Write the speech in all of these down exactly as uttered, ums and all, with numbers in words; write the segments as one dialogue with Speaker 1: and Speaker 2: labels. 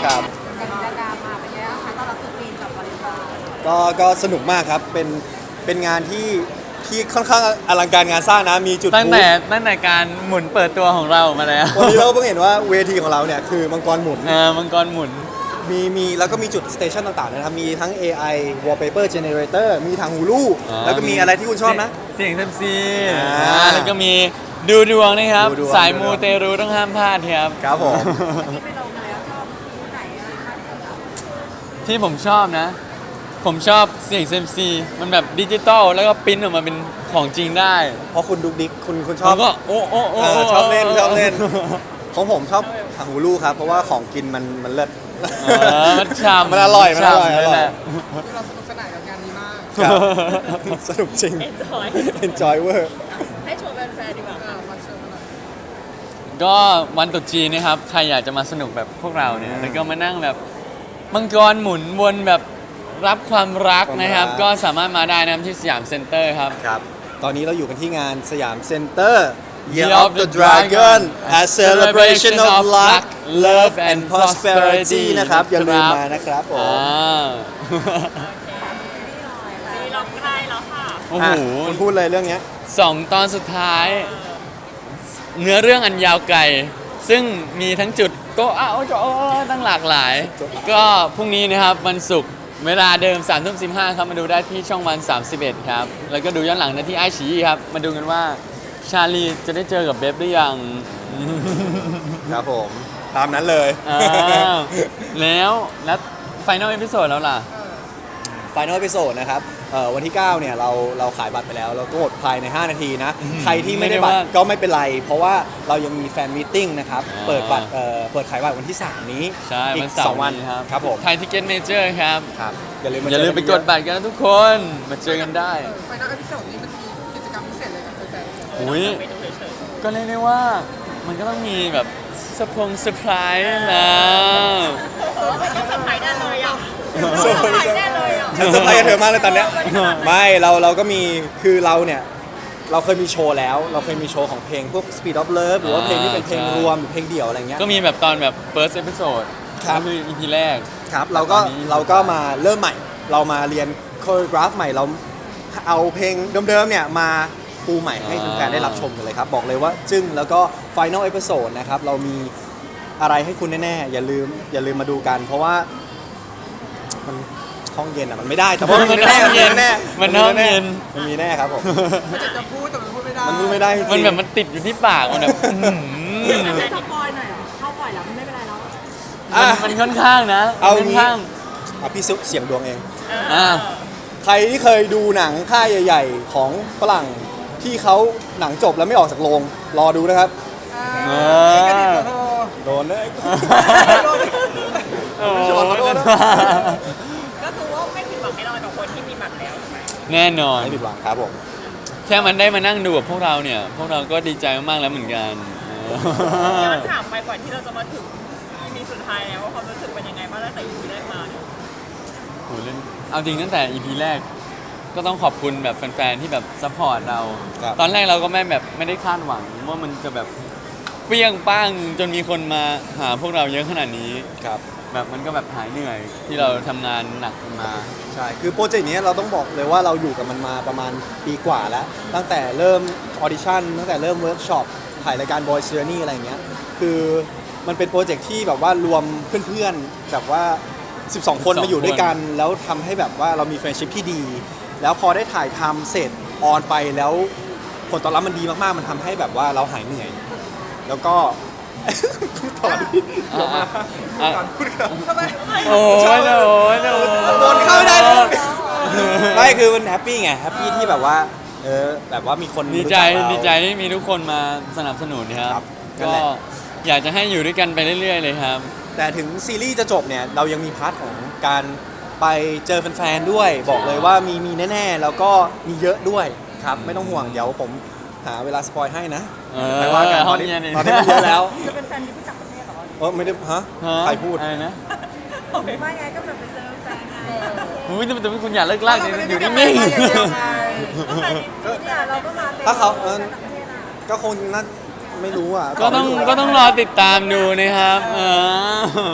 Speaker 1: ครับ
Speaker 2: กิจกรรมมาเป็นยังไงบ้างคะต้อนรับตรุษจีนกับวาเลนไทน์
Speaker 1: ก็ก็สนุกมากครับเป็นเป็นงานที่ที่ค่อนข้างอลังการงานสร้างนะมีจุด
Speaker 3: ตั้งแต่ตั้งแต่การหมุนเปิดตัวของเรามาแล้ว
Speaker 1: วันนี้เราเพิ่งเห็นว่าเวทีของเราเนี่ยคือมังกรหมุน
Speaker 3: เออมังกรหมุน
Speaker 1: มีมีแล้วก็มีจุดสเตชันต่างๆนะครับมีทั้ง เอ ไอ Wallpaper Generator มีทางฮูลู
Speaker 3: อ่า
Speaker 1: แล้วก็มีอะไรที่คุณชอบนะ
Speaker 3: เสียงเซมซี
Speaker 1: อ่า
Speaker 3: อ่าแล้วก็มีดูดวงนะครับ
Speaker 1: ดูดวง
Speaker 3: สายมูเตรูต้องห้ามพลาดครับ
Speaker 1: ครับผม
Speaker 2: ที่ไปลงมาแล้วชอบคู่ไหนอะไรมากที่สุด
Speaker 3: ที่ผมชอบนะ ผมชอบเสียงเซมซีมันแบบดิจิตอลแล้วก็ปริ้นออกมาเป็นของจริงได้
Speaker 1: เพราะคุณดุกดิกคุณคุณช
Speaker 3: ผ
Speaker 1: อบ
Speaker 3: มก็โอ้โอ้โอ้
Speaker 1: เออชอบเล่นชอบเล่น ของผมชอบทางฮูลูครับเพราะว่าของกินมันมันเลิศ
Speaker 3: เออมันฉ่ำ
Speaker 1: มันอร่อยมันอร่อย
Speaker 3: ฉ่ำ
Speaker 1: อร่อย
Speaker 3: นั่นแหละ
Speaker 4: เราสนุกสนานกับงานนี้มาก
Speaker 1: ครับ สนุกจริง
Speaker 2: Enjoy
Speaker 1: enjoy เวอร์
Speaker 2: ให้ชวนแฟนๆดีกว่า
Speaker 4: เออมาเชิญมาหน่อย
Speaker 3: ก็วันตรุษจีนนะครับ ใครอยากจะมาสนุกแบบพวกเราเนี่ย
Speaker 1: อืม
Speaker 3: แล้วก็มานั่งแบบมังกรหมุนวนแบบรับความรักนะครับ
Speaker 1: ความรัก
Speaker 3: ก็สามารถมาได้นะครับที่สยามเซ็นเตอร์ครับ
Speaker 1: ครับ ตอนนี้เราอยู่กันที่งานสยามเซ็นเตอร์ Year
Speaker 3: Year
Speaker 1: of the Dragon a celebration of luck love and prosperity นะครับ อย่าลืมมานะครับผม
Speaker 3: อ่า
Speaker 2: ซีร้องไห้แล้วค่ะ
Speaker 3: โอ้โห
Speaker 1: อ่ะคุณพูดเลยเรื่องเนี้ย
Speaker 3: สองตอนสุดท้าย เนื้อเรื่องอันยาวไกล ซึ่งมีทั้งจุดโตอ้าวโอ้ตั้งหลากหลาย ก็พรุ่งนี้นะครับวันศุกร์เวลาเดิม3ามทุ่มสิบห้าครับ มาดูได้ที่ช่องวันสามสิบเอ็ดครับ แล้วก็ดูย้อนหลังได้ที่ไอชีครับ มาดูกันว่าชาลีจะได้เจอกับเบฟหรือยัง
Speaker 1: ครับผม ตามนั้นเลย
Speaker 3: อ้าวแล้วแล้วไฟนอลเอพิโซดแล้วล่ะ
Speaker 1: Final Episode นะครับเอ่อวันที่ เก้า เนี่ยเราเราขายบัตรไปแล้ว เราก็หมดภายใน ห้า นาทีนะ ใครที่ไม่ได้บัตร
Speaker 3: ไม่ได้ว่า
Speaker 1: ก็ไม่เป็นไร เพราะว่าเรายังมีแฟนมีตติ้งนะครับ
Speaker 3: อ่า
Speaker 1: เปิดบัตรเอ่อเปิดขายบัตรวันที่ สาม นี้
Speaker 3: ใช่
Speaker 1: อี
Speaker 3: วั
Speaker 1: ก
Speaker 3: นเสา
Speaker 1: สอง
Speaker 3: ร์
Speaker 1: วัน
Speaker 3: นี้ครับ
Speaker 1: ครับผม
Speaker 3: ไทยทิเก็ตเมเจอร์ครับ
Speaker 1: ครับอย่าลืมม
Speaker 3: อย่าลืมไป
Speaker 1: เจ
Speaker 3: ก
Speaker 1: น
Speaker 3: ดบัตรกันนะทุกคน มาเจอกันได้
Speaker 4: ไฟนอลเอพิโซดนี้มันมีกิจกรรมพิเศษอะไรกับแฟนๆ
Speaker 3: อุ้ยก็เรียกได้ว่ามันก็ต้องมีแบบสปงเซอร์ไพรส์นะ
Speaker 2: ไม่ต้องเซอร์ไพรส์ได้เลยอ่ะ
Speaker 1: เซอร์ไพรส์
Speaker 2: ได้เลยอ่ะ
Speaker 1: ฉันเซอร์ไพรส์กับเธอมากเลยตอนเนี้ยไม่เราเราก็มีคือเราเนี่ยเราเคยมีโชว์แล้ว เราเคยมีโชว์ของเพลงพวก Speed of Love หรือว่าเพลงที่เป็นเพลงรวมหรือเพลงเดี่ยวอะไรเงี้ย
Speaker 3: ก็มีแบบตอนแบบ first episode
Speaker 1: ครับ
Speaker 3: ก็คือ อี พี แรก
Speaker 1: ครับเราก็
Speaker 3: ตอนนี้
Speaker 1: เราก็มาเริ่มใหม่ เรามาเรียนโคโรกราฟใหม่เราเอาเพลงเดิมๆเนี่ยมาปูใหม่ให้แฟนๆได้รับชมกันเลยครับ บอกเลยว่าจึ้งแล้วก็ Final Episode นะครับเรามีอะไรให้คุณแน่ๆ อย่าลืมอย่าลืมมาดูกัน เพราะว่ามันห้องเย็นอ่ะมันไม่ได้แต่ว่ามันมีแน่
Speaker 3: มันห้องเย็น
Speaker 1: แน่
Speaker 3: มันห้องเย็น
Speaker 1: มันมีแน่ครับผม
Speaker 4: มันจะจะพูดแต่มันพูดไม่ได้
Speaker 1: มันพูดไม่ได้จริงๆ
Speaker 3: มันแบบมันติดอยู่ที่ปากมันแบบอื้อหือ
Speaker 2: สปอยหน่อยเหรอเข้าปล่อยแล้วไม่เป็นไรแล้ว
Speaker 1: อ่ะ
Speaker 3: มันมันค่อนข้างนะ
Speaker 1: เอา
Speaker 3: ค่อน
Speaker 1: งี้
Speaker 3: ข้าง
Speaker 1: อ่ะพี่ซุกเสียงดวงเอง
Speaker 3: อ่า
Speaker 1: ใครที่เคยดูหนังค่ายใหญ่ ๆ ของฝรั่งที่เขาหนังจบแล้วไม่ออกจากโรงรอดูนะครับ
Speaker 4: อ่านี่ก็ดีกว่าโทร
Speaker 1: โดนเลย
Speaker 3: โอ้
Speaker 1: ไม่ชอบขอโทษนะ
Speaker 2: ก็คือว่าไม่ผิดหวังแน่นอนกับคนที่มีบัตรแล้ว
Speaker 3: แน่นอน
Speaker 1: ไม่ผิดหวังครับผม
Speaker 3: แค่มันได้มานั่งดูกับพวกเราเนี่ย พวกเราก็ดีใจมากๆแล้วเหมือนกัน
Speaker 2: ย้อนถามไปก่อนที่เราจะมาถึง อี พี สุดท้ายแล้วว่าความรู้สึกเป็นยังไงบ้างตั้งแต่ อี พี แรกมาเนี่ย
Speaker 3: โหเล่นเอาจริงตั้งแต่ อี พี แรก ก็ต้องขอบคุณแบบแฟนๆที่แบบซัพพอร์ตเรา
Speaker 1: ครับ
Speaker 3: ตอนแรกเราก็ไม่แบบไม่ได้คาดหวังว่ามันจะแบบเปรี้ยงป้างจนมีคนมาหาพวกเราเยอะขนาดนี้
Speaker 1: ครับ
Speaker 3: แบบมันก็แบบหายเหนื่อยที่เราทำงานหนักมา
Speaker 1: ใช่ คือโปรเจกต์นี้เราต้องบอกเลยว่าเราอยู่กับมันมาประมาณปีกว่าแล้ว ตั้งแต่เริ่มออดิชั่นตั้งแต่เริ่มเวิร์กช็อปถ่ายรายการ Boy Journey อะไรเงี้ย คือมันเป็นโปรเจกต์ที่แบบว่ารวมเพื่อนๆแบบว่า สิบสอง คน
Speaker 3: สิบสอง
Speaker 1: มาอยู่ด้วยกัน แล้วทำให้แบบว่าเรามีเฟรนชิพที่ดี แล้วพอได้ถ่ายทำเสร็จออนไปแล้วผลตอบรับมันดีมากๆ มันทำให้แบบว่าเราหายเหนื่อย แล้วก็ พูดต่อดิ
Speaker 3: อ่ะอ่ะอ่ะ
Speaker 1: พูดก่อน
Speaker 4: ทำไม
Speaker 3: โอ้ยโอ้ยโอ้ย
Speaker 1: โดนเข้าไม่ได้เลย ไม่คือมันแฮปปี้ไงแฮปปี้ที่แบบว่าเออแบบว่ามีคน
Speaker 3: ดีใจ
Speaker 1: รู้กเรา
Speaker 3: ดีใจที่มีทุกคนมาสนับสนุนค
Speaker 1: ครั
Speaker 3: รั
Speaker 1: บบ นั่น
Speaker 3: ก็
Speaker 1: แหละ
Speaker 3: อยากจะให้อยู่ด้วยกันไปเรื่อยๆเลยครับ
Speaker 1: แต่ถึงซีรีส์จะจบเนี่ยเรายังมีพาร์ทของการไปเจอแฟนๆด้วย บอกเลยว่ามีมีแน่ๆ แล้วก็มีเยอะด้วยครับไม่ต้องห่วงเดี๋ยวผมหาเวลาสปอยให้นะ
Speaker 3: เออ
Speaker 1: ไปว่ากันตอนนี้
Speaker 3: ห้องเย็นนี่
Speaker 1: ตอนนี้มันเยอะแล้ว
Speaker 2: จะเป็นแฟนที่ผู้จักประเทศเหรอ
Speaker 1: เออไม่ได้ฮะ
Speaker 3: ฮะ
Speaker 1: ใครพูด
Speaker 3: อะไรนะ
Speaker 2: ไม่ไงก็แบบไปเจอแฟนไง
Speaker 3: อุ้ยแต่แต่คุณอย่าเลิกลากเลยอยู่นิ่ง
Speaker 4: ๆอย่างเดียวไง
Speaker 2: ก็แฟนเนี่ยเราก็มาเต็ม
Speaker 1: ถ้าเขาเออ
Speaker 2: แฟนต่างประเทศอ่ะ
Speaker 1: ก็คงน่าไม่รู้อ่ะ
Speaker 3: ๆก็ต้องก็ต้องรอติดตามดูนะครับเออ
Speaker 4: อ่ะ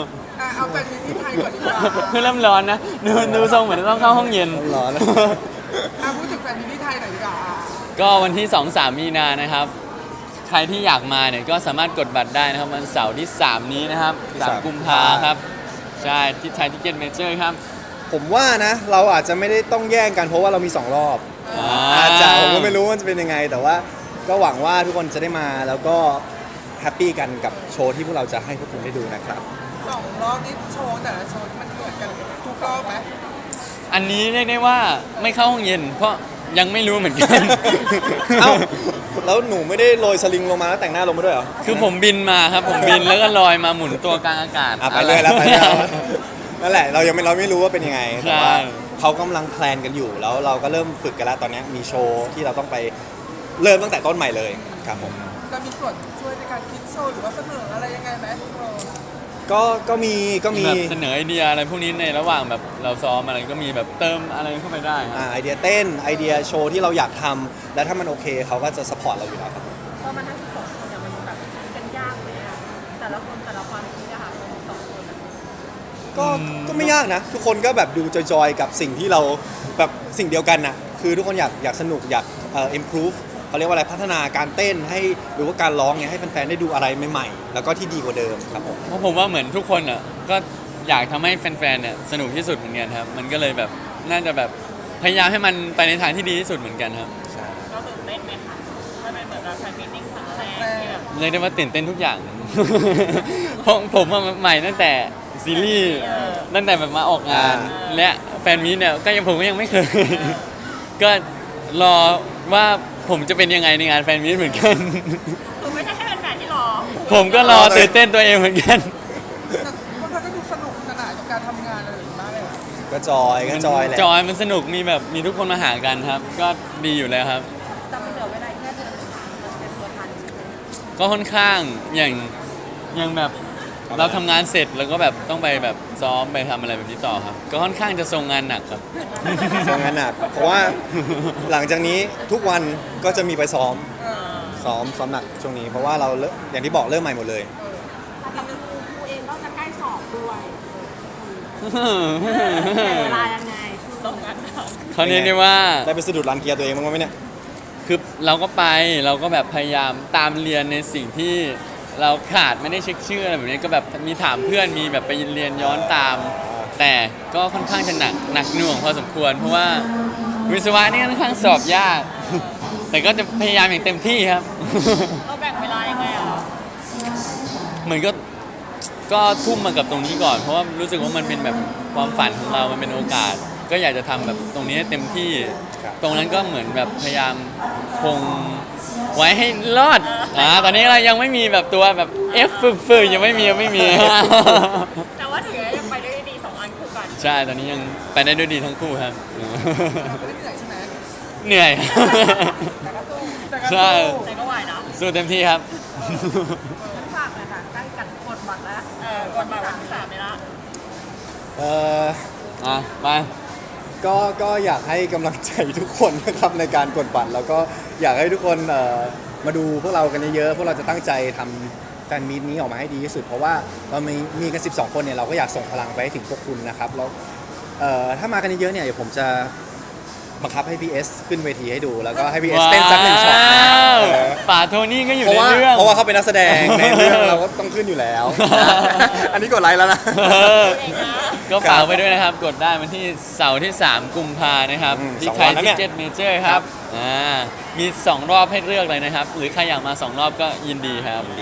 Speaker 4: อ่ะเอาแฟนมีที่ไทยก่อนดีกว่า
Speaker 3: เพื่อเริ่มร้อนนะดูดูทรงเหมือนต้องเข้าห้องเย็น
Speaker 1: ร้อน
Speaker 4: อ่ะพูดถึงแฟนมีที่ไทยหน่อยดีกว่าอ่ะ
Speaker 3: ก็วันที่ สอง สาม มีนานะครับ ใครที่อยากมาเนี่ยก็สามารถกดบัตรได้นะครับวันเสาร์ที่ สาม นี้นะครับ
Speaker 1: ที่
Speaker 3: สาม
Speaker 1: สาม
Speaker 3: กุมภาครับ ใช่ ที่ไทยทิเก็ตเมเจอร์ครับ
Speaker 1: ผมว่านะเราอาจจะไม่ได้ต้องแย่งกันเพราะว่าเรามีสองรอบ
Speaker 3: อ่า
Speaker 1: อาจจะผมก็ไม่รู้ว่าจะเป็นยังไง แต่ว่าก็หวังว่าทุกคนจะได้มาแล้วก็แฮปปี้กันกับโชว์ที่พวกเราจะให้พวกคุณได้ดูนะครับ
Speaker 4: สองรอบนี้โชว์แต่ละโชว์มันเหมือนกันทุกรอบไหม
Speaker 3: อันนี้เรียกได้ว่าไม่เข้าห้องเย็น เพราะยังไม่รู้เหมือนกัน
Speaker 1: เอ้าแล้วหนูไม่ได้โรยสลิงลงมาแล้วแต่งหน้าลงมาด้วยเหรอ
Speaker 3: คือผมบินมาครับ ผมบินแล้วก็ลอยมาหมุนตัวกลางอากาศ
Speaker 1: อ่ะไปเลยแล้วไปเลยแล้วนั่นแหละเรายังไม่เราไม่รู้ว่าเป็นยังไง
Speaker 3: ใช่
Speaker 1: แต่ว่าเขากำลังแพลนกันอยู่แล้วเราก็เริ่มฝึกกันแล้วตอนนี้มีโชว์ที่เราต้องไปเริ่มตั้งแต่ต้นใหม่เลยครับผม
Speaker 4: จะมีส่วนช่วยในการคิดโชว์หรือว่าเสนออะไรยังไงไหมเออ
Speaker 1: ก็ก็มีก็มี
Speaker 3: แบบเสนอไอเดียอะไรพวกนี้ในระหว่างแบบเราซ้อมอะไรก็มีแบบเติมอะไรเข้าไปได้ครับ
Speaker 1: อ่าไอเดียเต้นไอเดียโชว์ที่เราอยากทำและถ้ามันโอเคเขาก็จะสปอร์ตเราอยู่แล้วครับ
Speaker 2: พอมันทั้งสิบสองคนเนี่ยมันแบบกันยากเลยอะแต่ละคนแต่ละความคิดอะค่ะมันสองคนอะ
Speaker 1: ก็ก็ไม่ยากนะ ทุกคนก็แบบดูจอยๆกับสิ่งที่เราแบบสิ่งเดียวกันน่ะคือทุกคนอยากอยากสนุกอยากเอ่อ improve เขาเรียกว่าอะไรพัฒนาการเต้นให้หรือว่าการร้องเนี่ยให้แฟนๆได้ดูอะไรใหม่ๆแล้วก็ที่ดีกว่าเดิมครับผม
Speaker 3: เพราะผมว่าเหมือนทุกคนอ่ะก็อยากทำให้แฟนๆเนี่ยสนุกที่สุดเหมือนกันครับ มันก็เลยแบบน่าจะแบบพยายามให้มันไปในทางที่ดีที่สุดเหมือนกันครับ
Speaker 1: ใช่
Speaker 2: ก็ตื่นเต้นไหมคะถ้าเป็นเหมือนเราแฟนมิทติ้งครั้งแรกที่แบบ
Speaker 3: เรียกได้ว่าตื่นเต้นทุกอย่าง เพราะผมอะใหม่ตั้งแต่ซีรีส์ตั้งแต่แบบมาออกงาน และแฟนมีตเนี่ยก็ยังผมก็ยังไม่เคย ก็รอว่าผมจะเป็นยังไงในงานแฟนมีตเหมือนกัน
Speaker 2: คือไม่ใช่แค่เป็นแฟนที่รอ
Speaker 3: ผมก็รอตื่นเต้นตัวเองเหมือนกัน
Speaker 4: แต่พวกเราก็ดูสนุกสนานกับการทำงานอะไรอย่างนี้มากเลยอะ
Speaker 1: ก็จอยก็จอยแหละ
Speaker 3: จอยมันสนุกมีแบบมีทุกคนมาหากันครับ ก็ดีอยู่แล้วครับ
Speaker 2: แต่มันเหลือเวลาแค่เดือนสุดท้ายเราจะเป็นตัวทันใช่ไหม
Speaker 3: ก็ค่อนข้างอย่างอย่างแบบเราทำงานเสร็จแล้วก็แบบต้องไปแบบซ้อมไปทำอะไรแบบนี้ต่อครับ ก็ค่อนข้างจะทรงงานหนักครับ
Speaker 1: ทำงานหนักเพราะว่าหลังจากนี้ทุกวันก็จะมีไปซ้อม
Speaker 4: เออ
Speaker 1: ซ้อมซ้อมหนักช่วงนี้เพราะว่าเราเริ่มอย่างที่บอกเริ่มใหม่หมดเลย
Speaker 5: แต่กับครูครูเองก็จะใกล้สอบด้วย
Speaker 3: เ
Speaker 5: แต่เวลายังไง
Speaker 2: ตรงนั้นค่ะ
Speaker 3: เขาเรียกได้ว่า
Speaker 1: ได้ไปสะดุดรันเกียร์ตัวเองบ้างไหมเนี่ย
Speaker 3: คือเราก็ไปเราก็แบบพยายามตามเรียนในสิ่งที่เราขาดไม่ได้เช็คชื่ออะไรแบบนี้ก็แบบมีถามเพื่อนมีแบบไปเรียนย้อนตาม แต่ก็ค่อนข้างจะหนักหนักหน่วงพอสมควร เพราะว่าวิศวะนี่ค่อนข้างสอบยาก แต่ก็จะพยายามอย่างเต็มที่ครับ
Speaker 2: เราแบ่งเวลายังไงอ่ะ
Speaker 3: เหมือนก็ก็ทุ่มมากับตรงนี้ก่อน เพราะว่ารู้สึกว่ามันเป็นแบบความฝันของเรา มันเป็นโอกาส ก็อยากจะทำแบบตรงนี้ให้เต็มที่
Speaker 1: ครับ
Speaker 3: ตรงนั้นก็เหมือนแบบพยายามคงไว้ให้รอดอ่าตอนนี้เรายังไม่มีแบบตัวแบบ F ฟืดๆยังไม่มียังไม่มี
Speaker 2: แต่ว่าถึงยังไปได้ดีสองอันคู่กัน
Speaker 3: ใช่ ตอนนี้ยังไปได้ด้วยดีทั้งคู่ครับ
Speaker 4: เราไม่ได้เหนื่อยใช่ไหม
Speaker 3: เหนื่อย
Speaker 4: แต่ก็สู้แต่ก็
Speaker 3: ใช่
Speaker 4: สู้
Speaker 2: แต่ก็ไหวนะ
Speaker 3: สู้เต็มที่ครับ
Speaker 5: ฝากหน่อยค่ะใกล้กันกดบัตรแล้ว
Speaker 2: เออกดมาวันที่สามเลยละ
Speaker 1: เออ
Speaker 3: อ่ะไป
Speaker 1: ก็ก็อยากให้กำลังใจทุกคนนะครับในการกดบัตรแล้วก็อยากให้ทุกคนเอ่อมาดูพวกเรากันเยอะๆพวกเราจะตั้งใจทำแฟนมีตนี้ออกมาให้ดีที่สุด เพราะว่าเรามีมีกันสิบสองคนเนี่ยเราก็อยากส่งพลังไปให้ถึงพวกคุณนะครับแล้วเอ่อถ้ามากันเยอะๆเนี่ยเดี๋ยวผมจะบังคับให้พีเอสขึ้นเวทีให้ดูแล้วก็ให้พีเอสเต้นสักหนึ่งช็อตนะ
Speaker 3: ว้าว
Speaker 1: เออ
Speaker 3: ป่าโทนี่ก็อยู่
Speaker 1: เพราะ
Speaker 3: ใน
Speaker 1: ว่า
Speaker 3: เรื่อง
Speaker 1: เพราะว่าเขาเป็นนักแสดงในเรื่องเราก็ต้องขึ้นอยู่แล้ว อันนี้กดไลค์แล้วนะ
Speaker 3: เออ
Speaker 2: เองนะ
Speaker 3: ก็ฝากไว้ด้วยนะครับ กดได้วันที่เสาร์ที่ สาม กุมภานะครับ
Speaker 1: อืม
Speaker 3: ที่
Speaker 1: สอง
Speaker 3: ไท
Speaker 1: วั
Speaker 3: ย
Speaker 1: นแล้ว
Speaker 3: ทิ
Speaker 1: เนี่ย
Speaker 3: เก็ตเมเจอร์ครับอ่ามีสองรอบให้เลือกเลยนะครับ หรือใครอยากมาสองรอบก็ยินดีครับ
Speaker 2: โอ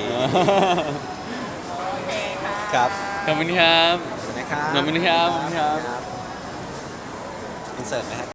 Speaker 2: เคค่ะ
Speaker 1: ครับ
Speaker 3: ขอบคุณครับ
Speaker 1: นะครับ
Speaker 3: ขอบคุณครับขอบคุณครับ
Speaker 1: อินเสิร์ตนะฮะ